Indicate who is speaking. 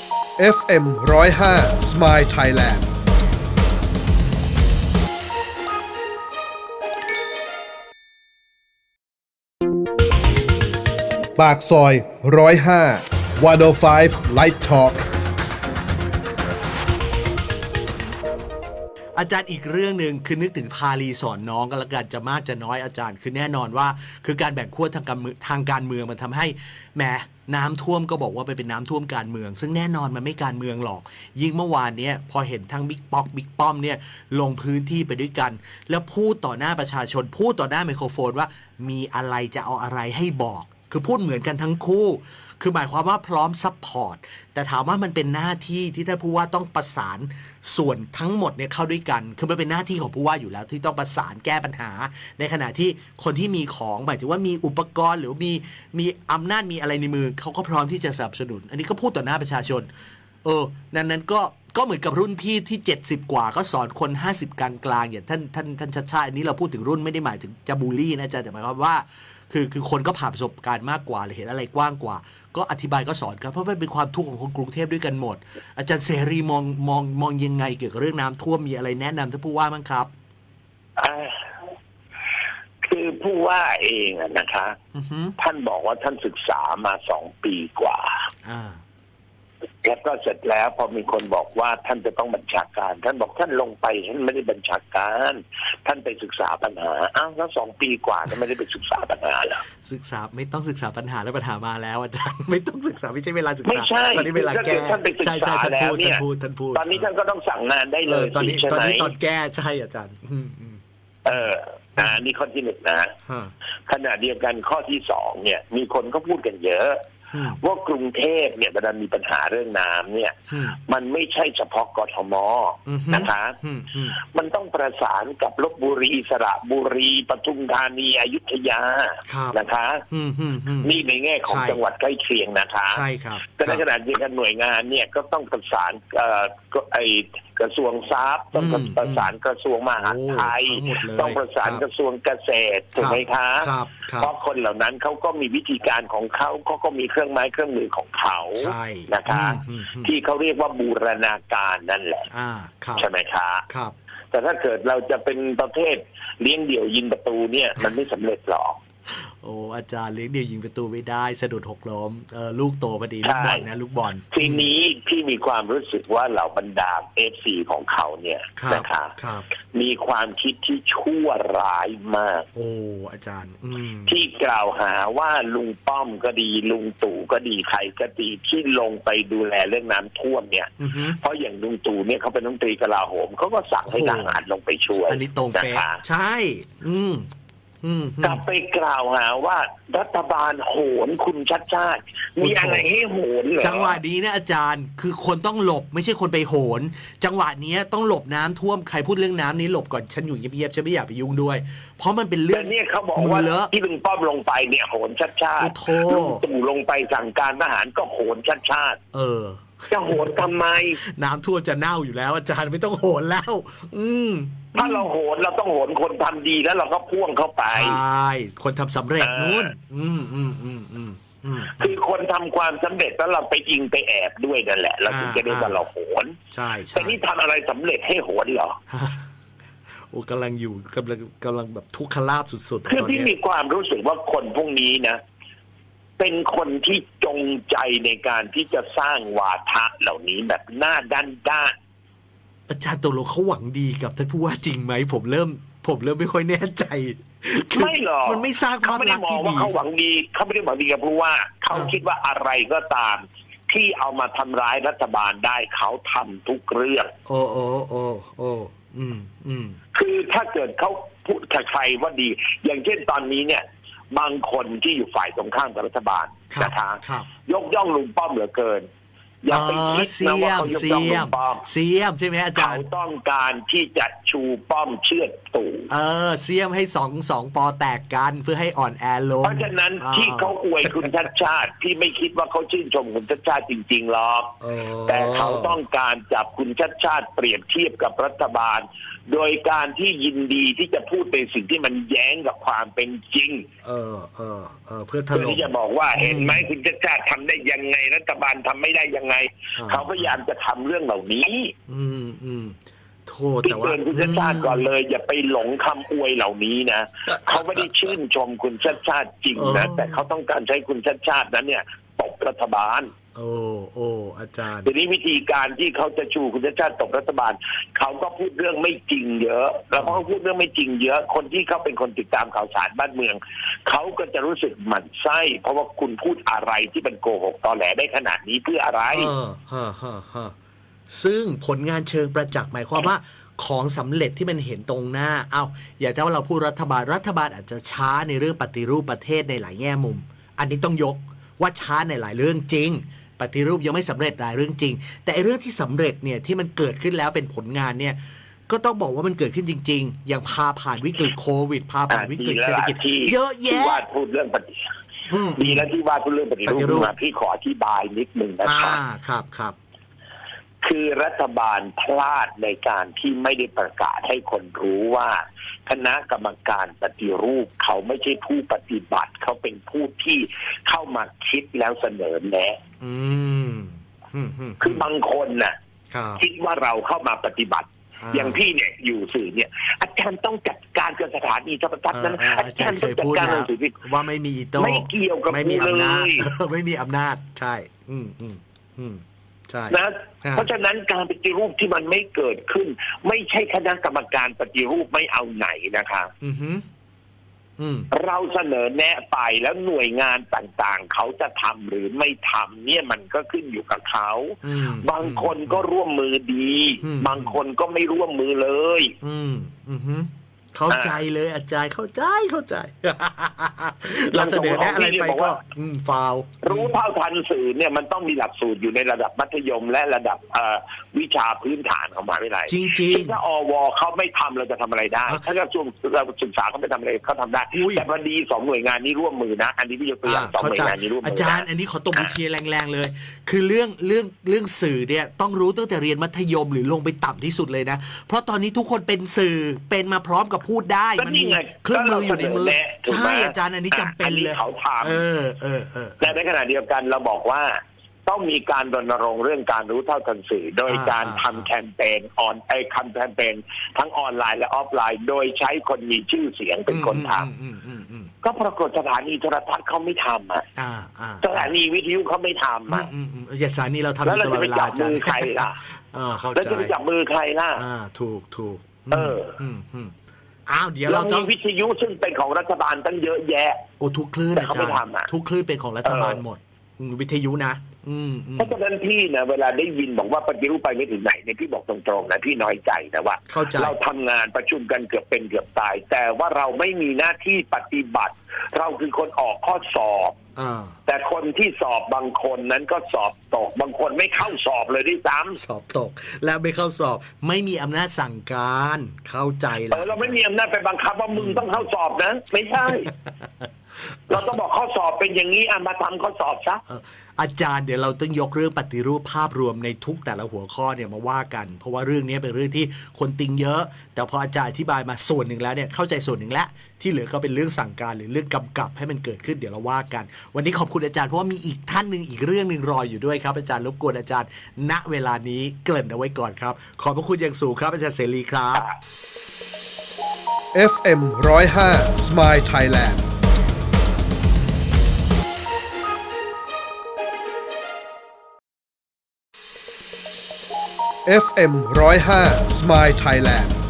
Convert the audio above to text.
Speaker 1: FM 105 Smile Thailand ปากซอย105 105 Light Talk
Speaker 2: อาจารย์อีกเรื่องหนึ่งคือนึกถึงพาลีสอนน้องก็แล้วกันจะมากจะน้อยอาจารย์คือแน่นอนว่าคือการแบ่งขั้วทางการเมืองมันทำให้แหมน้ำท่วมก็บอกว่าไปเป็นน้ำท่วมการเมืองซึ่งแน่นอนมันไม่การเมืองหรอกยิ่งเมื่อวานนี้พอเห็นทั้งบิ๊กป๊อกบิ๊กป้อมเนี่ยลงพื้นที่ไปด้วยกันแล้วพูดต่อหน้าประชาชนพูดต่อหน้าไมโครโฟนว่ามีอะไรจะเอาอะไรให้บอกคือพูดเหมือนกันทั้งคู่คือหมายความว่าพร้อมซัพพอร์ตแต่ถามว่ามันเป็นหน้าที่ที่ท่านผู้ว่าต้องประสานส่วนทั้งหมดเนี่ยเข้าด้วยกันคือมันเป็นหน้าที่ของผู้ว่าอยู่แล้วที่ต้องประสานแก้ปัญหาในขณะที่คนที่มีของหมายถึงว่ามีอุปกรณ์หรือมีอำนาจมีอะไรในมือเขาก็พร้อมที่จะสนับสนุนอันนี้ก็พูดต่อหน้าประชาชนนั้นก็เหมือนกับรุ่นพี่ที่70กว่าก็สอนคน50กลางๆอย่างท่านชัดชาติอันนี้เราพูดถึงรุ่นไม่ได้หมายถึงจะบูลลี่นะอาจารย์แต่หมายความว่าคือคนก็ผ่านประสบการณ์มากกว่าหรือเห็นอะไรกว้างกว่าก็อธิบายก็สอนกันเพราะมันเป็นความทุกข์ของคนกรุงเทพด้วยกันหมดอาจารย์เสรีมองยังไงเกี่ยวกับเรื่องน้ำท่วมมีอะไรแนะนำท่านผู้ว่าบ้างครับ
Speaker 3: คือผู้ว่าเองนะคะท่านบอกว่าท่านศึกษามา2 ปีกว่าแล้วก็เสร็จแล้วพอมีคนบอกว่าท่านจะต้องบัญชาการท่านบอกท่านลงไปท่านไม่ได้บัญชาการท่านไปศึกษาปัญหาแล้ว2 ปีกว่าท่านไม่ได้ไปศึกษาปัญหาเหรอ
Speaker 2: ศึกษาไม่ต้องศึกษาปัญหาแล้วปัญหามาแล้วอาจารย์ไม่ต้องศึกษาไม่ใช่เวลาศึกษา
Speaker 3: ไม่ใช่
Speaker 2: ตอนนี้เวลาแก้
Speaker 3: ท่านไปศึกษาแล้วเนี่ย
Speaker 2: ท่านพูด
Speaker 3: ตอนนี้ท่านก็ต้องสั่งงานได้เลย
Speaker 2: ตอนนี้ตอนแก้ใช่อาจารย์
Speaker 3: นี่ข้อที่1นะขณะเดียวกันข้อที่2เนี่ยมีคนก็พูดกันเยอะว่ากรุงเทพเนี่ยเวลามีปัญหาเรื่องน้ำเนี่ยมันไม่ใช่เฉพาะกทมนะคะมันต้องประสานกับลพบุรีสระบุรีปทุมธานีอยุธยานะคะนี่ในแง่ของจังหวัดใกล้เคียงนะคะ
Speaker 2: ใช่ครับ
Speaker 3: แต่ในขณะเดียวกันหน่วยงานเนี่ยก็ต้องประสานกระทรวงทรัพย์ต้องประสานกระทรวงมหาดไทยต้องประสานกระทรวงเกษตรถูกไหมคะเพราะคนเหล่านั้นเขาก็มีวิธีการของเขาก็มีเครื่องไม้เครื่องมือของเขานะคะที่เขาเรียกว่าบูรณาการนั่นแหละใช่ไหมคะแต่ถ้าเกิดเราจะเป็นประเภทเลี้ยงเดี่ยวยิงประตูเนี่ยมันไม่สำเร็จหรอก
Speaker 2: โอ้อาจารย์เลี้ยงเดี่ยวยิงประตูไม่ได้สะดุดหกล้มลูกโตพอดีลูกบอลนะลูกบอล
Speaker 3: ทีนี้พี่มีความรู้สึกว่าเหล่าบรรดา FC ของเขาเนี่ยนะคะมีความคิดที่ชั่วร้ายมาก
Speaker 2: โอ้อาจารย์
Speaker 3: ที่กล่าวหาว่าลุงป้อมก็ดีลุงตู่ก็ดีใครก็ดีที่ลงไปดูแลเรื่องน้ำท่วมเนี่ยเพราะอย่างลุงตู่เนี่ยเขาเป็นรัฐมนตรีกลาโหมเขาก็สั่งให้ทหารลงไปช่วย
Speaker 2: อันนี้ตรงเป๊ะใช่
Speaker 3: กลับไปกล่าวหาว่ารัฐบาลโหนคุณชัดชาติมีอะไรให้โหนเหรอ
Speaker 2: จังหวะนี้นะอาจารย์คือคนต้องหลบไม่ใช่คนไปโหนจังหวะนี้ต้องหลบน้ำท่วมใครพูดเรื่องน้ำนี้หลบก่อนฉันอยู่เงียบๆฉันไม่อยากไปยุ่งด้วยเพราะมันเป็นเรื่อง
Speaker 3: เนี่ยเขาบอกว่าที่ลุงป้อมลงไปเนี่ยโหนชัดชาติลุงตู่ลงไปสั่งการทหารก็โหนชัดชาติจะโหนทำไม
Speaker 2: น้ำท่วมจะเน่าอยู่แล้วอาจารย์ไม่ต้องโหนแล้ว
Speaker 3: ถ้าเราโหนเราต้องโหนคนทำดีแล้วเราก็พ่วงเข้าไป
Speaker 2: ใช่คนทำสำเร็จนู่น
Speaker 3: คือคนทำความสำเร็จแล้วเราไปอิงไปแอบด้วยนั่นแหละเราถึงจะได้ว่าเราโหน
Speaker 2: ใช่
Speaker 3: แต่นี่ทำอะไรสำเร็จให้โหนเหรอ
Speaker 2: โอ้กำลังแบบทุกขลาภสุด
Speaker 3: ๆคือที่มีความรู้สึกว่าคนพวกนี้นะเป็นคนที่จงใจในการที่จะสร้างวาทะเหล่านี้แบบหน้าด้าน
Speaker 2: อาจารย์ตกลงเขาหวังดีกับท่านผู้ว่าจริงไหมผมเริ่มไม่ค่อยแน่ใจ
Speaker 3: ไม่หรอก
Speaker 2: มันไม่สร้างภาพลักษณ์ที่ดี
Speaker 3: เขาหวังดีเขาไม่ได้หวังดีกับผู้ว่าเขาคิดว่าอะไรก็ตามที่เอามาทำร้ายรัฐบาลได้เขาทำทุกเรื่องคือถ้าเกิดเขาพูดใครว่าดีอย่างเช่นตอนนี้เนี่ยบางคนที่อยู่ฝ่ายตรงข้ามกับรัฐบาลนะคะยกย่องลุงป้อมเหลือเกินอย่าไปคิดนะว่าเขายกย่องลุงป้อม
Speaker 2: เสียมใช่ไหมอาจารย์
Speaker 3: เขาต้องการที่จะชูป้อมเชือดตู่
Speaker 2: เสียมให้สองปอแตกกันเพื่อให้อ่อนแอลง
Speaker 3: เพราะฉะนั้นที่เขาอวยคุณชัดชาติที่ไม่คิดว่าเขาชื่นชมคุณชัดชาติจริงๆหรอกแต่เขาต้องการจับคุณชัดชาติเปรียบเทียบกับรัฐบาลโดยการที่ยินดีที่จะพูดในสิ่งที่มันแย้งกับความเป็นจริง
Speaker 2: เพื่อถ
Speaker 3: เพื่อ
Speaker 2: ล่ม
Speaker 3: ที่จะบอกว่าเห็นไหมคุณชาติทำได้ยังไงรัฐบาลทำไม่ได้ยังไงเขาพยายามจะทำเรื่องเหล่านี้
Speaker 2: โทษแต่ว่า
Speaker 3: เตือนคุณชาติก่อนเลยอย่าไปหลงคำอวยเหล่านี้นะเขาไม่ได้ชื่นชมคุณชาติจริงนะแต่เขาต้องการใช้คุณชาตินั้นเนี่ยตบรัฐบาล
Speaker 2: โอ้อาจารย์
Speaker 3: ทีนี้วิธีการที่เขาจะชูคุณชาติตบรัฐบาลเขาก็พูดเรื่องไม่จริงเยอะแล้วเขาพูดเรื่องไม่จริงเยอะคนที่เขาเป็นคนติดตามข่าวสารบ้านเมืองเขาก็จะรู้สึกหมั่นไส้เพราะว่าคุณพูดอะไรที่เป็นโกหกตอแหลได้ขนาดนี้เพื่ออะไร
Speaker 2: ซึ่งผลงานเชิงประจักษ์หมายความว่าของสำเร็จที่มันเห็นตรงหน้าอย่างที่ว่าเราพูดรัฐบาลอาจจะช้าในเรื่องปฏิรูปประเทศในหลายแง่มุมอันนี้ต้องยกว่าช้าในหลายเรื่องจริงปฏิรูปยังไม่สำเร็จหลายเรื่องจริงแต่เรื่องที่สำเร็จเนี่ยที่มันเกิดขึ้นแล้วเป็นผลงานเนี่ยก็ต้องบอกว่ามันเกิดขึ้นจริงๆอย่างพาผ่านวิกฤตโควิดพาผ่านวิกฤตเศรษฐกิจเยอะแยะ
Speaker 3: ที่ว่าพูดเรื่องดีแล้วที่ว่าพูดเรื่องปฏิรูปพี่ขออธิบายนิดนึง
Speaker 2: ครับ
Speaker 3: คือรัฐบาลพลาดในการที่ไม่ได้ประกาศให้คนรู้ว่าคณะกรรมการปฏิรูปเขาไม่ใช่ผู้ปฏิบัติเขาเป็นผู้ที่เข้ามาคิดแล้วเสนอแนะคือบางคนน่ะคิดว่าเราเข้ามาปฏิบัติอย่างพี่เนี่ยอยู่สื่อเนี่ยอาจารย์ต้องจัดการกับสถานีโทรทัศน์นั้นอาจารย์ต้องจัดการกับสื่อ
Speaker 2: ว่าไม่มีอีโต้
Speaker 3: ไม่เกี่ยวกับ
Speaker 2: ไม่มีอำนาจไม่มีอำนาจใช่
Speaker 3: นะเพราะฉะนั้นการปฏิรูปที่มันไม่เกิดขึ้นไม่ใช่คณะกรรมการปฏิรูปไม่เอาไหนนะคะเราเสนอแนะไปแล้วหน่วยงานต่างๆเขาจะทำหรือไม่ทำเนี่ยมันก็ขึ้นอยู่กับเขาบางคนก็ร่วมมือดีบางคนก็ไม่ร่วมมือเลย
Speaker 2: เข้าใจเลยอาจารย์เข้าใจเราเสนอแนะอะไรไปก็ฟาว
Speaker 3: รู้เท่าทันสื่อเนี่ยมันต้องมีหลักสูตรอยู่ในระดับมัธยมและระดับวิชาพื้นฐานของมหาวิทยาลัย
Speaker 2: จริง
Speaker 3: ๆถ้าอวเขาไม่ทำเราจะทำอะไรได้ถ้ากระทรวงศึกษาเขาไม่ทำอะไรเขาทำได้แต่พอดี2หน่วยงานนี้ร่วมมือนะอันนี้พี่ยกตัวอย่าง2หน่วยงานนี้ร่วมมือ
Speaker 2: อาจารย์อันนี้ขอตบมือเชียร์แรงๆเลยคือเรื่องสื่อเนี่ยต้องรู้ตั้งแต่เรียนมัธยมหรือลงไปต่ำที่สุดเลยนะเพราะตอนนี้ทุกคนเป็นสื่อเป็นมาพร้อมกับพูดได้มันมีเครื่องมืออยู่ในมือใช่อาจารย์อันนี้จำเป็นเลย
Speaker 3: เขาทำแต่ในขณะเดียวกันเราบอกว่าต้องมีการรณรงค์เรื่องการรู้เท่าทันสื่อโดยการทำแคมเปญแคมเปญทั้งออนไลน์และออฟไลน์โดยใช้คนมีชื่อเสียงเป็นคนทำก็ปรากฏสถานีโทรทัศน์เขาไม่ทำสถานีวิทยุเขาไม่ทำ
Speaker 2: สถานีเราทำ
Speaker 3: แล้วเราจะไปจับมือใครล่ะแล้วจะไปจับมือใครล่ะ
Speaker 2: ถูกเดี๋ยว
Speaker 3: เราต้องวิทยุซึ่งเป็นของรัฐบาลตั้งเยอะแยะ
Speaker 2: ทุกคลื่นอาจารย์ทุกคลื่นเป็นของรัฐบาลหมดวิทยุนะ
Speaker 3: เพราะฉะนั้นพี่นะเวลาได้ยินบอกว่าปฏิรูปไปไม่ถึงไหนเนี่ยพี่บอกตรงๆนะพี่น้อยใจนะว่าเราทำงานประชุมกันเกือบเป็นเกือบตายแต่ว่าเราไม่มีหน้าที่ปฏิบัติเราคือคนออกข้อสอบแต่คนที่สอบบางคนนั้นก็สอบตกบางคนไม่เข้าสอบเลยด้วยซ้ำ
Speaker 2: สอบตกแล้วไม่เข้าสอบไม่มีอำนาจสั่งการเข้าใจแล้ว
Speaker 3: เราไม่มีอำนาจไปบังคับว่ามึงต้องเข้าสอบนะไม่ใช่ เราต้องบอกข้อสอบเป็นอย่างนี้มาทำข้อสอบซะ
Speaker 2: อาจารย์เดี๋ยวเราต้องยกเรื่องปฏิรูปภาพรวมในทุกแต่ละหัวข้อเนี่ยมาว่ากันเพราะว่าเรื่องนี้เป็นเรื่องที่คนติงเยอะแต่พออาจารย์อธิบายมาส่วนหนึ่งแล้วเนี่ยเข้าใจส่วนหนึ่งแล้วที่เหลือก็เป็นเรื่องสั่งการหรือเรื่องกำกับให้มันเกิดขึ้นเดี๋ยวเราว่ากันวันนี้ขอบคุณอาจารย์เพราะว่ามีอีกท่านนึงอีกเรื่องนึงรออยู่ด้วยครับอาจารย์รบกวนอาจารย์ณเวลานี้เกริ่นเอาไว้ก่อนครับขอบพระคุณอย่างสูงครับอาจารย์เสรีครับ
Speaker 1: FM 105 Smile Thailand FM 105 Smile Thailand